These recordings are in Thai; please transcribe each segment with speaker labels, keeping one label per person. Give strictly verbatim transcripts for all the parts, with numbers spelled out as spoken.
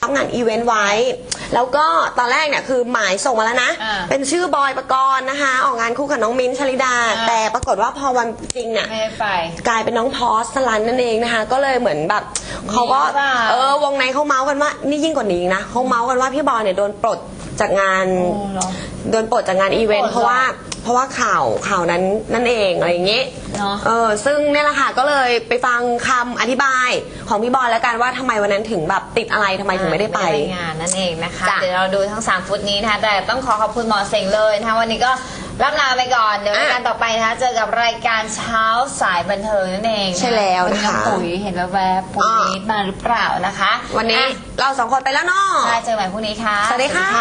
Speaker 1: รับงานอีเวนต์ไว้แล้วก็ตอนแรกเนี่ยคือหมายส่งมาแล้วนะเป็นชื่อบอยปกรณ์นะคะออกงานคู่กับน้องมิ้นท์ชลิดาแต่ปรากฏว่าพอวันจริงเนี่ยกลายเป็นน้องพอสสลันนั่นเองนะคะก็เลยเหมือนแบบเขาก็เออวงในเขาเมาส์กันว่านี่ยิ่งกว่านี้นะเขาเมาส์กันว่าพี่บอยเนี่ยโดนปลดจากงานโดนปลดจากงานอีเวนต์เพราะว่าเพราะว่าข่าวข่าวนั้นนั่นเองอะไรอย่างเงี้ยเออซึ่งเนี่ยแหละค่ะก็เลยไปฟังคำอธิบายของพี่บอยแล้วกันว่าทำไมวันนั้นถึงแบบติดอะไรทำไมถึงไม่ได้ไป
Speaker 2: งานนั่นเองนะคะเดี๋ยวเราดูทั้งสามฟุตนี้นะคะแต่ต้องขอขอบคุณหมอเสงเลยนะคะวันนี้ก็รับลาไปก่อนเดี๋ยวรายการต่อไปนะคะเจอกับรายการเช้าสายบันเทิงนั่นเอง
Speaker 1: ใช่แล้วนะคะ
Speaker 2: ปุ๋ยเห็นแวบๆปุ๋ยมาหรือเปล่านะคะ
Speaker 1: วันนี้เราสองคนไปแล้วเนาะ
Speaker 2: ใช่เจอใหม่พรุ่งนี้ค่ะ
Speaker 1: สวัสดีค่ะ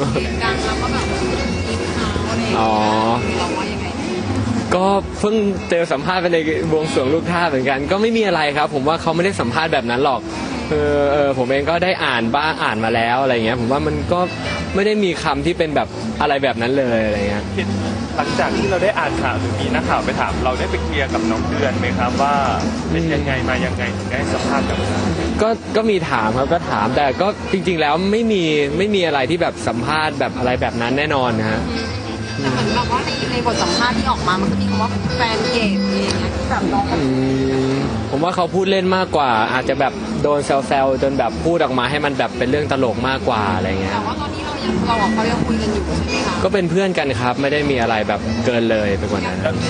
Speaker 3: อ๋อก็เพิ่งเจอสัมภาษณ์ไปในวงสรวงลูกท่าเหมือนกันก็ไม่มีอะไรครับผมว่าเขาไม่ได้สัมภาษณ์แบบนั้นหรอกเออเออผมเองก็ได้อ่านบ้างอ่านมาแล้วอะไรเงี้ยผมว่ามันก็ไม่ได้มีคำที่เป็นแบบอะไรแบบนั้นเลยอะไรเงี้ย
Speaker 4: หลังจากที่เราได้อ่านข่าวหรือมีนักข่าวไปถามเราได้ไปเคลียร์กับน้องเดือนไหมครับว่าเป็นยังไงมายังไงถึงได้สัมภาษณ์แบบนั้น
Speaker 3: ก็ก็มีถามครับก็ถามแต่ก็จริงๆแล้วไม่มีไม่มีอะไรที่แบบสัมภาษณ์แบบอะไรแบบนั้นแน่นอนนะฮะ
Speaker 5: แต่เหมือนแบบว่าในในบทสัมภาษณ์ที่ออกมามันก็มีคำว่าแฟนเกย์อะไรอย่างเงี้ยที่แบบน้อง
Speaker 3: ผมว่าเขาพูดเล่นมากกว่าอาจจะแบบโดนแซวๆจนแบบพูดออกมาให้มันแบบเป็นเรื่องตลกมากกว่าอะไรเงี้ย
Speaker 5: แต่ว่าตอนนี้เรายังเรากับเขายังคุยกันอยู่ใช่ไหมคะ
Speaker 3: ก็เป็นเพื่อนกันครับไม่ได้มีอะไรแบบเกินเลยไปกว่านั้นครับ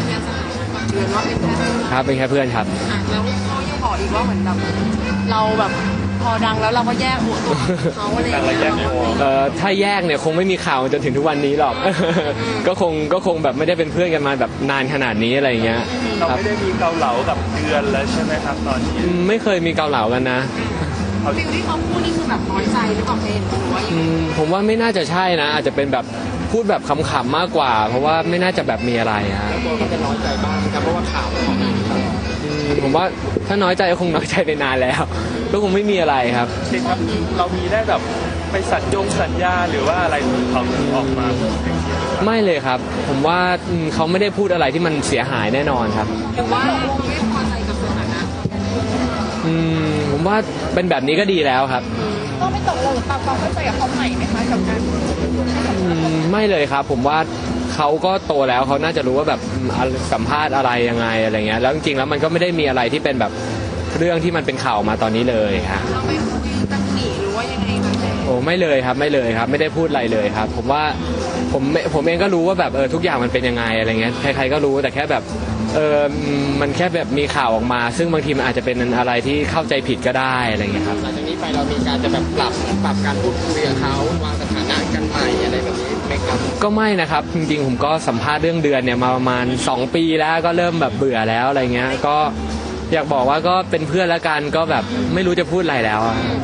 Speaker 3: เป็นแค่เพื่อนครับ
Speaker 5: แล้วเขายังบอกอีกว่าเหมือนแบบเราแบบพอดังแล้วเราก็แยกหัวตัวเขาอะไรอย่างเงี้ย
Speaker 3: เอ่อถ้าแยกเนี่ยคงไม่มีข่าวจนถึงทุกวันนี้หรอกก็คงก็คงแบบไม่ได้เป็นเพื่อนกันมาแบบนานขนาดนี้อะไรเงี้ย
Speaker 4: เราไม่ได้มีเกาเหลากับเดือนแล้วใช่ไหมครับตอนนี้
Speaker 3: ไม่เคยมีเกาเหลากันนะ
Speaker 5: ฟิลที่เขาพูดนี่คือแบบน้อยใจหรือเปล่าเพนหรือว่ายังไง
Speaker 3: ผมว่าไม่น่าจะใช่นะอาจจะเป็นแบบพูดแบบขำๆมากกว่าเพราะว่าไม่น่าจะแบบมีอะไรฮะ
Speaker 6: แล้วตัวเขาจะน้อยใจบ้างครับเพราะว่าข่าวมันออกมาตลอด
Speaker 3: ผมว่าถ้าน้อยใจก็คงน้อยใจไปนานแล้วก็คงไม่มีอะไรครับ
Speaker 4: จริงครับเรามีได้แบบไปสัญญงสัญญาหรือว่าอะไรเขาออกมา
Speaker 3: ไม่เลยครับผมว่าเขาไม่ได้พูดอะไรที่มันเสียหายแน่นอนครับ
Speaker 5: หรือว่าไม่พอใจกับสถานะ
Speaker 3: อืมผมว่าเป็นแบบนี้ก็ดีแล้วครับ
Speaker 5: ต้องไม่ตกลงหรือปรับความเข้าใจกับเขาใหม่ไหมคะกับการ
Speaker 3: ไม่เลยครับผมว่าเขาก็โตแล้วเขาน่าจะรู้ว่าแบบสัมภาษณ์อะไรยังไงอะไรเงี้ยแล้วจริงๆแล้วมันก็ไม่ได้มีอะไรที่เป็นแบบเรื่องที่มันเป็นข่าวมาตอนนี้เลยฮะ
Speaker 5: เราไม่คุยตั้งหนีหรือว่ายังไง
Speaker 3: โอ้ไม่เลยครับไม่เลยครับไม่ได้พูดอะไรเลยครับผมว่าผมผมเองก็รู้ว่าแบบเออทุกอย่างมันเป็นยังไงอะไรเงี้ยใครๆก็รู้แต่แค่แบบเออมันแค่แบบมีข่าวออกมาซึ่งบางทีมันอาจจะเป็นอะไรที่เข้าใจผิดก็ได้อะไรเงี้ยครับ
Speaker 6: หลังจากนี้ไปเรามีการจะแบบปรับปรับการพูดคุยกับเขาวางสถานะกันใหม่อะไรแบบนี้ไหมครับ
Speaker 3: ก็ไม่นะครับจริงๆผมก็สัมภาษณ์เรื่องเดือนเนี่ยมาประมาณสองปีแล้วก็เริ่มแบบเบื่อแล้วอะไรเงี้ยก็อยากบอกว่าก็เป็นเพื่อนแล้วกันก็แบบไม่รู้จะพูดอะไรแล้ว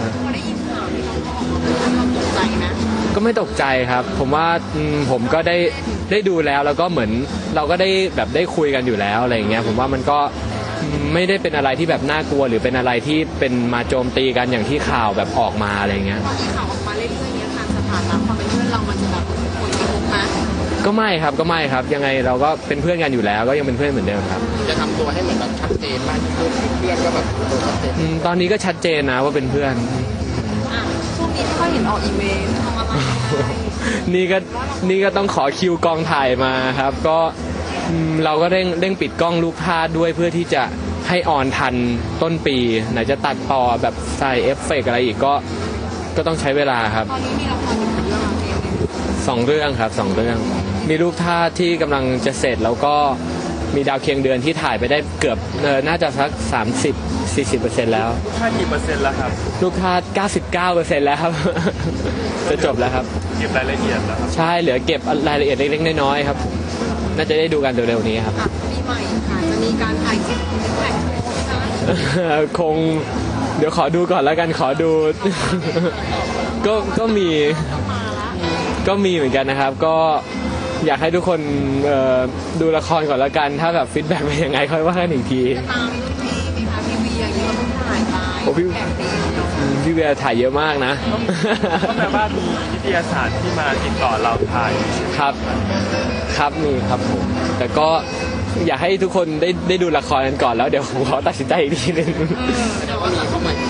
Speaker 3: ก็ไม่ตกใจครับผมว่าผมก็ได้ได้ดูแล้วแล้วก็เหมือนเราก็ได้แบบได้คุยกันอยู่แล้วอะไรอย่างเงี้ยผมว่ามันก็ไม่ได้เป็นอะไรที่แบบน่ากลัวหรือเป็นอะไรที่เป็นมาโจมตีกันอย่างที่ข่าวแบบออกมาอะไรเงี้ย
Speaker 5: พอที่ข่าวออกมาเรื่อยๆเนี้ยทางสถานะความเป็นเพื่อนเรามันจะแบบคนกระทบนะ
Speaker 3: ก็ไม่ครับก็ไม่ครับยังไงเราก็เป็นเพื่อนกันอยู่แล้วก็ยังเป็นเพื่อนเหมือนเดิมครับ
Speaker 6: จะทำตัวให้เหมือนแบบชัดเจนมากขึ้นเพื่อนก็แบบตัวชัดเจน
Speaker 3: ตอนนี้ก็ชัดเจนนะว่าเป็นเพื่อน
Speaker 5: ช่วงนี้ไม่ค่อยเห็นออกอีเวนต์ทำอะไร
Speaker 3: นี่ก็นี่ก็ต้องขอคิวกองถ่ายมาครับก็เราก็เร่งเร่งปิดกล้องลูกพาดด้วยเพื่อที่จะให้ออนทันต้นปีไหนจะตัดต่อแบบใส่เอฟเฟกต์อะไรอีกก็ก็ต้องใช้เวลาครับ
Speaker 5: ตอนนี้มีละครอยู่กี่เรื่อง
Speaker 3: สองเรื่องครับสองเรื่องมีลูกท่าที่กำลังจะเสร็จแล้วก็มีดาวเคียงเดือนที่ถ่ายไปได้เกือบเออน่าจะสักสามสิบ สี่สิบเปอร์เซ็นต์แล้ว
Speaker 4: ลูกท่ากี่เปอร์เซ็นต์แล้วครับ
Speaker 3: ลูกท่าเก้าสิบเก้าเปอร์เซ็นต์แล้วครับจะจบแล้วครับ
Speaker 4: เก็บรายละเอียดแล้วครับ
Speaker 3: ใช่เหลือเก็บรายละเอียดเล็กๆน้อยๆครับน่าจะได้ดูกันเร็วๆนี้ครับ
Speaker 5: ปีใหม่ค่ะจะมีการถ่ายคลิปแท็ก
Speaker 3: คงเดี๋ยวขอดูก่อนแล้วกันขอดูก็ก็มีก็มีเหมือนกันนะครับก็อยากให้ทุกคนดูละครก่อนแล้วกันถ้าแบบฟีดแบ็กเป็นยังไงค่อยว่ากันอีกที
Speaker 5: ตามรุ่นพี่ไหมคะพี่วีอย่างนี้เราต้องถ่ายไป
Speaker 3: โอ้พี่พี่เวียถ่ายเยอะมากนะ
Speaker 4: ก็แปลว่ามีวิทยาศาสตร์ที่มาติดต่อเราถ่าย
Speaker 3: ครับครับมีครับผมแต่ก็อยากให้ทุกคนได้ได้ดูละครกันก่อนแล้วเดี๋ยวผมขอตัดสินใจอีกทีนึง
Speaker 6: แต่ว่ามีเข้ามา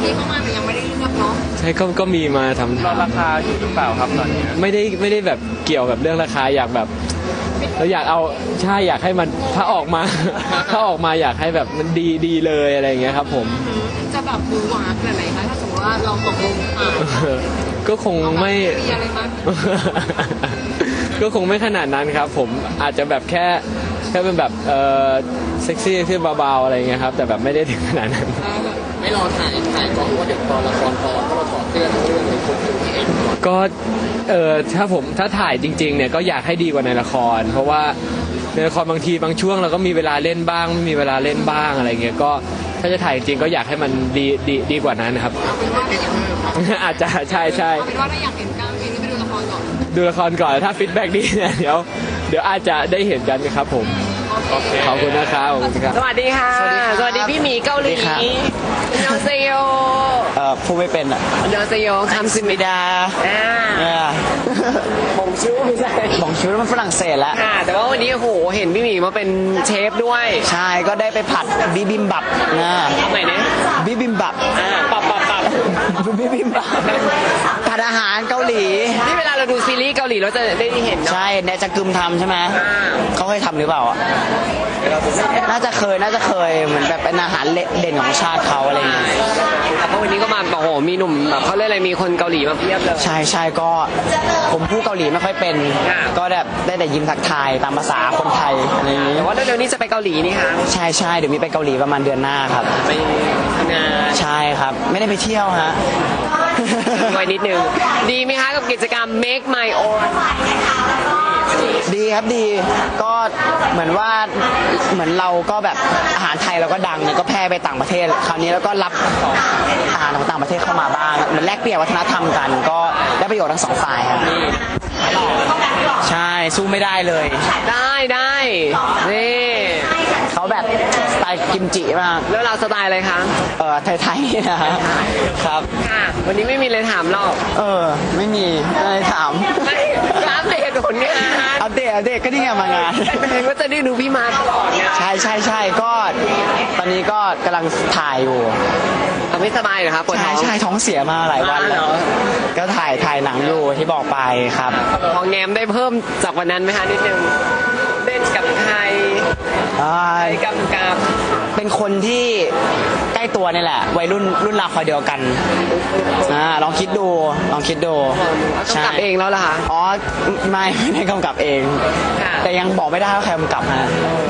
Speaker 5: ที่เข้ามาแต่ยังไม่ได้เลือกเนาะ
Speaker 3: ใช่ก็ก็มีมาทำ
Speaker 4: รอราคาอยู่หรือเปล่าครับตอนนี้
Speaker 3: ไม่ได้ไม่ได้แบบเกี่ยวกับเรื่องราคาอยากแบบเราอยากเอาใช่อยากให้มันถ้าออกมา ถ้าออกมาอยากให้แบบมันดีดีเลยอะไรอย่างเงี้ยครับผม
Speaker 5: จะแบบดูหวานแบบไหนคะถ้าสมมติว่าเราตกลงอ่า
Speaker 3: ก็คงไม่
Speaker 5: มีอะไรมั้ย
Speaker 3: ก็คงไม่ขนาดนั้นครับ ผมอาจจะแบบแค่แค่เป็นแบบเออเซ็กซี่ที่เบาๆอะไรเงี้ยครับแต่แบบไม่ได้ถึงขนาดนั้น
Speaker 6: ไม่รอถ่ายถ่ายก่อนเพราะว่าเดี๋ยวตอนละครพอก็เราถอดเสื้อทั้งเรื่องเลยคนดูเองก่อน
Speaker 3: ก็เออถ้าผมถ้าถ่ายจริงๆเนี่ยก็อยากให้ดีกว่าในละคร เพราะว่าในละครบางทีบางช่วงเราก็มีเวลาเล่นบ้างไม่มีเวลาเล่นบ้างอะไรเงี้ยก็ถ้าจะถ่ายจริงๆก็อยากให้มันดีดีดีกว่านั้นนะครับ อาจจะใช่ใช่
Speaker 5: เอาเป็นว่าถ้าอยากเห็นกล้ามจริงก็ไปดูละครก่อน
Speaker 3: ดูละครก่อนถ้าฟีดแบ็กดีเนี่ยเดี๋ยวเดี๋ยวอาจจะได้เห็นกันครับผม
Speaker 4: โอเค
Speaker 3: ขอบคุณนะครับขอบคุณครับ
Speaker 7: สวัสดีค่ะ สวัสดีพี่หมีเกาหลี
Speaker 8: สวัสดีครับ
Speaker 7: อันยองเซโย
Speaker 8: เอ่อพูดไม่เป็นอ่ะ
Speaker 7: อันยองเซโยคำสิมิ
Speaker 8: มิดา
Speaker 7: อ่า
Speaker 8: เนี่ย
Speaker 7: ผมชื่อไม่ใช่
Speaker 8: บอกชื่อมันฝรั่งเศสแล้ว
Speaker 7: ค่ะ แต่ว่าวันนี้โอ้โหเห็นพี่หมีมาเป็นเชฟด้วย
Speaker 8: ใช่ก็ได้ไปผัดบิบิมบับนะ
Speaker 7: ทำไหนเนี่ย
Speaker 8: บิบิมบับ
Speaker 7: อ่าปับปับปับ
Speaker 8: บิบิมบับผัดอาหารเกาหลี
Speaker 7: นี่เวลาเราดูซีรีส์เกาหลีเราจะได้เห็นเนาะ
Speaker 8: ใช่แนจะกึมทำใช่ไหมเขาเคยทำหรือเปล่าอ่ะน่าจะเคยน่าจะเคยเหมือนแบบเป็นอาหารเด่นของชาติเขาอะไรอย่างเงี้ย
Speaker 7: แต่ว่าวันนี้ก็มาโอ้โหมีหนุ่มแบบเขาเรียกอะไรมีคนเกาหลีมาเพียบเลย
Speaker 8: ใช่ใช่ก็ผมพูดเกาหลีไม่ค่อยเป็น
Speaker 7: ค่ะ
Speaker 8: ก็แบบได้แต่ยิ้มทักทายตามภาษาคนไทยอะไรอย่างงี้
Speaker 7: แต่ว่าเร็วๆนี้จะไปเกาหลีนี่ค่ะ
Speaker 8: ใช่ใช่เดี๋ยวมีไปเกาหลีประมาณเดือนหน้าครับ
Speaker 7: ไปทำงาน
Speaker 8: ใช่ครับ ไม่ได้ไปเที่ยวฮะ
Speaker 7: ไว้นิดนึงดีไหมคะกับกิจกรรม Make My Own
Speaker 8: ดีครับดีก็เหมือนว่าเหมือนเราก็แบบอาหารไทยเราก็ดังเนี่ยก็แพร่ไปต่างประเทศ คราวนี้แล้วก็รับอาหารของต่างประเทศเข้ามาบ้างเหมือนแลกเปลี่ยนวัฒนธรรมกัน ก็ได้ประโยชน์ทั้งสองฝ่ายครับใช่สู้ไม่ได้เลย
Speaker 7: ได้ได้นี่
Speaker 8: เขาแบบสไตล์กิมจิมาก
Speaker 7: แล้วเราสไตล์อะไรคะ
Speaker 8: เออไทยๆนะฮะครับ
Speaker 7: ค่ะ วันนี้ไม่มีเลยถามหรอก
Speaker 8: เออไม่มีอะไรถาม
Speaker 7: ไม่อัปเดตผลงาน
Speaker 8: อัปเดตอัปเดตก็นี่ไงมางาน
Speaker 7: เห็นว่าจะได้ดูพี่มาตลอดเนี่ย
Speaker 8: ใช่ใช่ใช่ก็ตอนนี้ก็กำลังถ่ายอยู่
Speaker 7: เราไม่สบายเหรอครับปวด
Speaker 8: ใช่
Speaker 7: ท้อง
Speaker 8: ใช่ท้องเสียมาหลายวัน
Speaker 7: อ่าเหร
Speaker 8: แล้ว
Speaker 7: อ
Speaker 8: ก็ถ่ายถ่ายหนังอยู่ที่บอกไปครับ
Speaker 7: พอแงมได้เพิ่มจากวันนั้นไหมคะนิดนึงเล่นกับใคร
Speaker 8: อ่า
Speaker 7: ไปกำกับ
Speaker 8: เป็นคนที่ใกล้ตัวนี่แหละ วัยรุ่นรุ่นราวคราวเดียวกันอ่าลองคิดดูลองคิดดู
Speaker 7: กำกับเองแล้วล่ะคะ
Speaker 8: อ๋อไม่ไม่ได้กำกับเอง
Speaker 7: ค่ะ
Speaker 8: แต่ยังบอกไม่ได้ว่าใครกำกับฮะ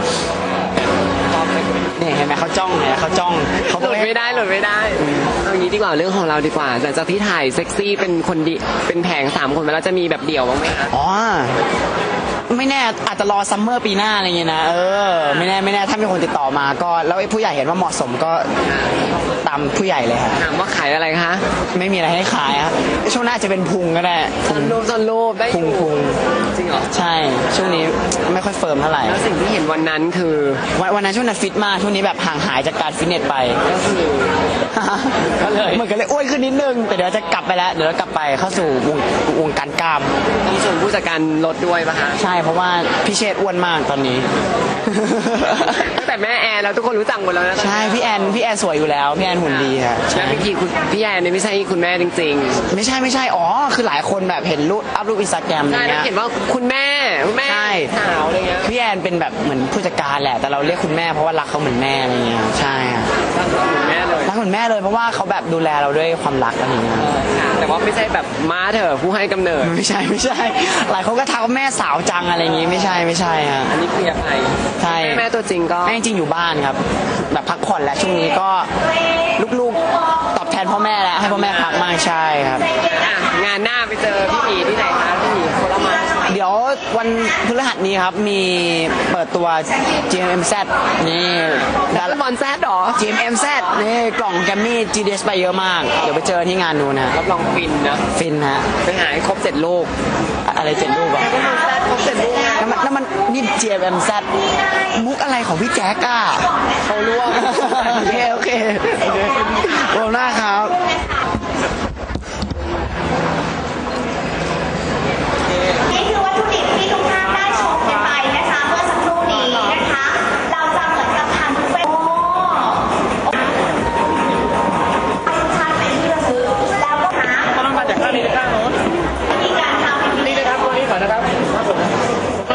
Speaker 8: นี่เห็นไหมเขาจ้องเห็นไหมเขาจ้องเขา
Speaker 7: หลุดไม่ได้หลุดไม่ได้เอางี้ดีกว่าเรื่องของเราดีกว่าหลังจากที่ถ่ายเซ็กซี่เป็นคนดีเป็นแผงสามคนไปแล้วจะมีแบบเดี่ยวบ้างไหมคะ
Speaker 8: อ๋อไม่แน่อาจจะรอซัมเมอร์ปีหน้าอะไรเงี้ยนะเออไม่แน่ไม่แน่ถ้ามีคนติดต่อมาก็แล้วไอ้ผู้ใหญ่เห็นว่าเหมาะสมก็ตามผู้ใหญ่เลยครับ
Speaker 7: ถามว่าขายอะไรคะ
Speaker 8: ไม่มีอะไรให้ขายครับช่วงหน้าจะเป็นพุงก็ได้
Speaker 7: ตอนรูปตอนรูปได้อ
Speaker 8: พุง
Speaker 7: ยู่
Speaker 8: พุง
Speaker 7: จริงเหรอ
Speaker 8: ใช่ช่วงนี้ไม่ค่อยเฟิร์มเท่าไหร่
Speaker 7: แล้วสิ่งที่เห็นวันนั้นคือ
Speaker 8: วันวันนั้นช่วงนั้นฟิตมากช่วงนี้แบบห่างหายจากการฟิตเนสไป
Speaker 7: ก็คือ ก็เลย
Speaker 8: มันก็เลยอ้วนขึ้นนิดนึงแต่เดี๋ยวจะกลับไปแล้วเดี๋ยวเรากลับไปเข้าสู่วงวงการกล้าม
Speaker 7: มีส่วนผู้จัดการลดด้วยปะคะ
Speaker 8: ใช่เพราะว่าพี่เชษฐ์อ้วนมากตอนนี้
Speaker 7: ตั้งแต่แม่แอนแล้วทุกคนรู้จักหมดแล้วนะ
Speaker 8: ใช่พี่แอนพี่แอนสวยอยู่แล้วพี่แอนหุ่นดีค่ะ
Speaker 7: แล้
Speaker 8: ใช่
Speaker 7: วพี่กีคุณพี่แอนเนี่ยไม่ใช่คุณแม่จริง
Speaker 8: ไม่ใช่ไม่ใช่อ๋อคือหลายคนแบบเห็นรูปอัพรูปอินสตาแกรม
Speaker 7: ๆ
Speaker 8: อ
Speaker 7: ใช่
Speaker 8: ย่าง
Speaker 7: แล้ว
Speaker 8: เงี้ย
Speaker 7: เห็นว่าคุณแม่คุณแม่
Speaker 8: ใช่
Speaker 7: สาวอะไรเงี้ย
Speaker 8: พี่แอนเป็นแบบเหมือนผู้จัดการแหละแต่เราเรียกคุณแม่เพราะว่ารักเขาเหมือนแม่อะไรเงี้ยใช่ค่ะ
Speaker 7: รักคุณแม่เลย
Speaker 8: รักเหมือนแม่เลยเพราะว่าเขาแบบดูแลเราด้วยความรักอะไรเงี้ย
Speaker 7: ค่ะแต่ว่าไม่ใช่แบบม้าเถอะผู้ให้กำเนิด
Speaker 8: ไม่ใช่ไม่ใช่ หลายคนก็ทักว่าแม่สาวจังอะไรอย่างงี้ไม่ใช่ไม่ใช่ฮะ
Speaker 7: อันนี้เคลียร์ไป
Speaker 8: ใช่
Speaker 7: แม่ตัวจริงก็
Speaker 8: แม่จริงๆอยู่บ้านครับ แบบพักผ่อนแล้วช่วงนี้ก็ลูกๆตอบแทนพ่อแม่แล้วให้พ่อแม่พักมากใช่ครับ
Speaker 7: อ่ะงานหน้าไปเจอพี่หมีที่ไหนคะพี่หมีโคราช
Speaker 8: เดี๋ยววันพฤหัสนี้ครับมีเปิดตัว จี เอ็ม เอ็ม แซด นี่ดา
Speaker 7: แล้วบอลแซดหรอ
Speaker 8: จี เอ็ม เอ็ม แซด นี่กล่องแกรมมี่ จี ดี เอส ไปเยอะมาก เดี๋ยวไปเจอที่งานดูนะ
Speaker 7: รับรองฟินนะ
Speaker 8: ฟินฮะ
Speaker 7: ไปหาให้ครบเจ็ดลูก
Speaker 8: อะไรเจ็ดรูปอะ
Speaker 7: บอลแซดครบเจ็ดลูก
Speaker 8: นั่นมันนั่นมันนี่ จี เอ็ม เอ็ม แซด มุกอะไรของพี่แจ๊กอะ
Speaker 7: เขาร่วม
Speaker 8: โอเคโอเคโอเคขอบคุณมากครับ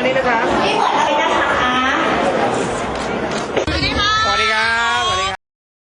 Speaker 9: นี้นะครับ